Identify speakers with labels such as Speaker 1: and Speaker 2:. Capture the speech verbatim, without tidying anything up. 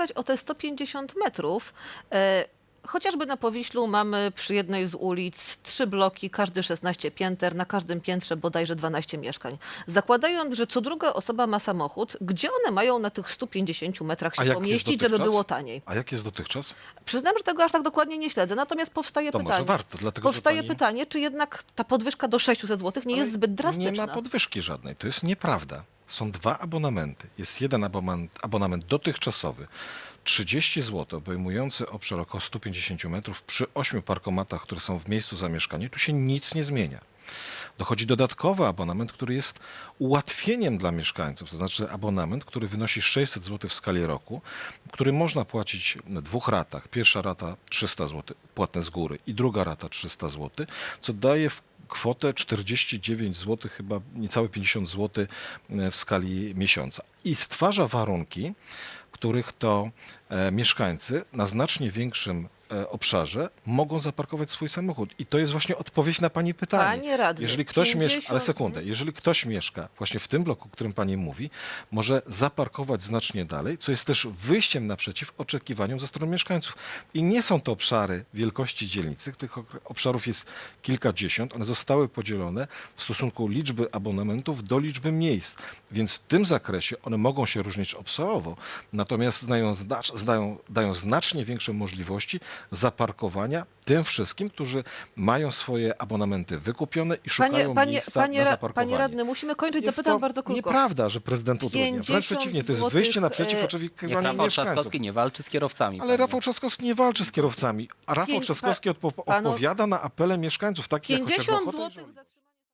Speaker 1: O te sto pięćdziesiąt metrów, e, chociażby na Powiślu mamy przy jednej z ulic trzy bloki, każdy szesnaście pięter, na każdym piętrze bodajże dwanaście mieszkań. Zakładając, że co druga osoba ma samochód, gdzie one mają na tych stu pięćdziesięciu metrach
Speaker 2: A
Speaker 1: się
Speaker 2: jak
Speaker 1: pomieścić,
Speaker 2: jest
Speaker 1: żeby
Speaker 2: dotychczas?
Speaker 1: było taniej?
Speaker 2: A jak jest dotychczas?
Speaker 1: Przyznam, że tego aż tak dokładnie nie śledzę, natomiast powstaje
Speaker 2: To może
Speaker 1: pytanie.
Speaker 2: warto, dlatego, że
Speaker 1: powstaje
Speaker 2: pani-
Speaker 1: pytanie, czy jednak ta podwyżka do sześciuset złotych nie
Speaker 2: Ale
Speaker 1: jest zbyt drastyczna?
Speaker 2: Nie ma podwyżki żadnej. To jest nieprawda. Są dwa abonamenty. Jest jeden abonament, abonament dotychczasowy, trzydzieści złotych, obejmujący obszar około stu pięćdziesięciu metrów przy ośmiu parkomatach, które są w miejscu zamieszkania. Tu się nic nie zmienia. Dochodzi dodatkowy abonament, który jest ułatwieniem dla mieszkańców, to znaczy abonament, który wynosi sześćset złotych w skali roku, który można płacić na dwóch ratach. Pierwsza rata trzysta złotych płatne z góry i druga rata trzysta złotych, co daje w kwotę czterdzieści dziewięć złotych, chyba niecałe pięćdziesiąt złotych w skali miesiąca. I stwarza warunki, których to e, mieszkańcy na znacznie większym e, obszarze mogą zaparkować swój samochód. I to jest właśnie odpowiedź na pani pytanie.
Speaker 1: Panie radny,
Speaker 2: jeżeli ktoś mieszka, ale
Speaker 1: pięćdziesiąt
Speaker 2: sekundę, jeżeli ktoś mieszka właśnie w tym bloku, o którym pani mówi, może zaparkować znacznie dalej, co jest też wyjściem naprzeciw oczekiwaniom ze strony mieszkańców. I nie są to obszary wielkości dzielnicy, tych obszarów jest kilkadziesiąt, one zostały podzielone w stosunku liczby abonamentów do liczby miejsc, więc w tym zakresie one mogą się różnić obszarowo, natomiast znają, znają, dają znacznie większe możliwości zaparkowania tym wszystkim, którzy mają swoje abonamenty wykupione i szukają
Speaker 1: Panie, panie,
Speaker 2: miejsca
Speaker 1: panie,
Speaker 2: na
Speaker 1: ra-
Speaker 2: zaparkowanie.
Speaker 1: panie radny, musimy kończyć.
Speaker 2: Jest
Speaker 1: Zapytam
Speaker 2: to
Speaker 1: bardzo krótko.
Speaker 2: nieprawda, że prezydent utrudnia. Wręcz
Speaker 1: pięćdziesiąt
Speaker 2: przeciwnie, to jest
Speaker 1: złotych,
Speaker 2: wyjście naprzeciw
Speaker 1: e,
Speaker 2: oczekiwaniom
Speaker 3: Niech Rafał
Speaker 2: mieszkańców.
Speaker 3: Trzaskowski nie walczy z kierowcami.
Speaker 2: Ale
Speaker 3: panie.
Speaker 2: Rafał Trzaskowski nie walczy z kierowcami, a Rafał
Speaker 1: Pięć-
Speaker 2: Trzaskowski odpo-
Speaker 1: panu-
Speaker 2: odpowiada na apele mieszkańców, takich jak chociażby
Speaker 1: pięćdziesiąt
Speaker 2: Ochota i
Speaker 1: złotych
Speaker 2: Żołnierz.
Speaker 1: za